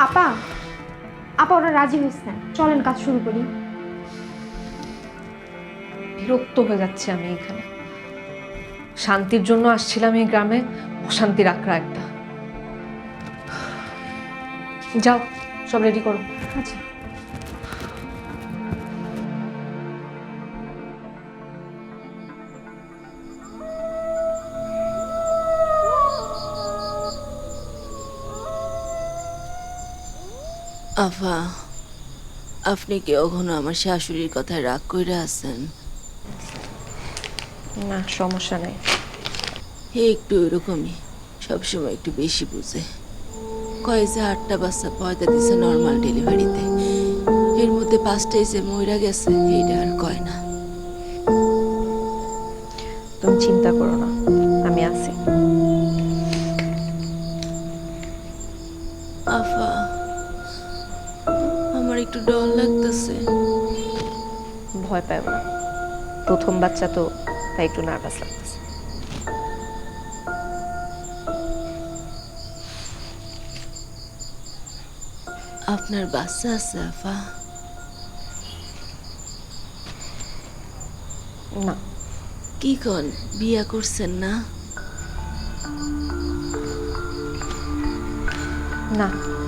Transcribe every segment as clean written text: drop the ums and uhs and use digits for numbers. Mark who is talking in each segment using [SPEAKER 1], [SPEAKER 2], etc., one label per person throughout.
[SPEAKER 1] আপা আপা ওরা রাজি হয়েছে, চলেন কাজ শুরু করি।
[SPEAKER 2] বিরক্ত হয়ে যাচ্ছে আমি এখানে। শান্তির জন্য আসছিলাম এই গ্রামে, অশান্তির আখড়া একটা। যাও, সব রেডি করো।
[SPEAKER 1] আচ্ছা।
[SPEAKER 3] আফা, আপনি কি কখনো আমার শাশুড়ির কথায় রাগ কইরা আছেন?
[SPEAKER 2] না, সমস্যা নাই।
[SPEAKER 3] হে একটু এরকমই, সবসময় একটু বেশি বুঝে। কয় যে 8টা বাচ্চা পয়দা দিছে নর্মাল ডেলিভারিতে, এর মধ্যে 5টাই যে মইরা গেছে এইটা আর কয় না।
[SPEAKER 2] তুমি চিন্তা করো না, আমি আছি।
[SPEAKER 3] আফা, আমার একটু ডর লাগতেছে।
[SPEAKER 2] ভয় পাবো না, প্রথম বাচ্চা তো, তাই একটু নার্ভাস লাগতেছে।
[SPEAKER 3] আপনার বাচ্চা আছে আফা?
[SPEAKER 2] না।
[SPEAKER 3] কি কন, বিয়া করছেন না?
[SPEAKER 2] না।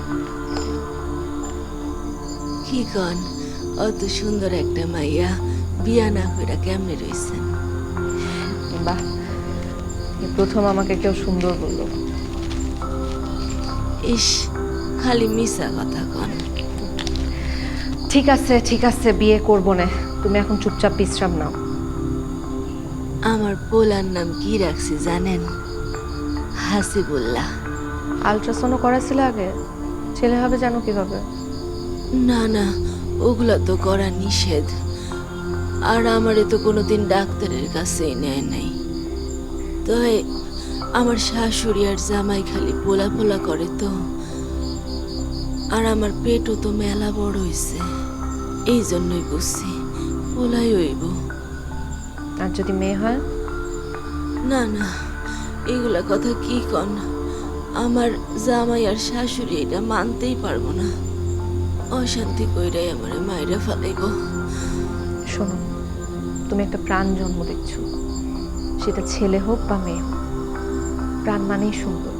[SPEAKER 3] কি কন, অত সুন্দর একটা মাইয়া বিয়া না কইরা কেমনে রইছেন?
[SPEAKER 2] বাহ, এই প্রথম আমাকে কেউ সুন্দর বললো।
[SPEAKER 3] ইস, খালি মিছা কথা কন।
[SPEAKER 2] ঠিক আছে ঠিক আছে, বিয়ে করবো না, তুমি এখন চুপচাপ বিশ্রাম নাও।
[SPEAKER 3] আমার পোলার নাম কি রাখছি জানেন? হাসিবুল্লাহ।
[SPEAKER 2] আলট্রাসাউন্ড করাছিল আগে? ছেলে হবে জানো কিভাবে?
[SPEAKER 3] না না, ওগুলা তো করা নিষেধ। আর আমারে তো কোনোদিন ডাক্তারের কাছেই নেয় নাই। তবে আমার শাশুড়ি আর জামাই খালি পোলা পোলা করে তো। আর আমার পেটও তো মেলা বড় হইছে, এই জন্যই বুঝছি পোলাই হইব।
[SPEAKER 2] আর যদি মেয়ে হয়?
[SPEAKER 3] না না, এগুলা কথা কি কন, আমার জামাই আর শাশুড়ি এটা মানতেই পারবো না। অশান্তি কইরাই আমারে মাইরা ফেলাইব।
[SPEAKER 2] শোনো, তুমি একটা প্রাণ জন্ম দিচ্ছ, সেটা ছেলে হোক বা মেয়ে হোক, প্রাণ মানেই সুন্দর।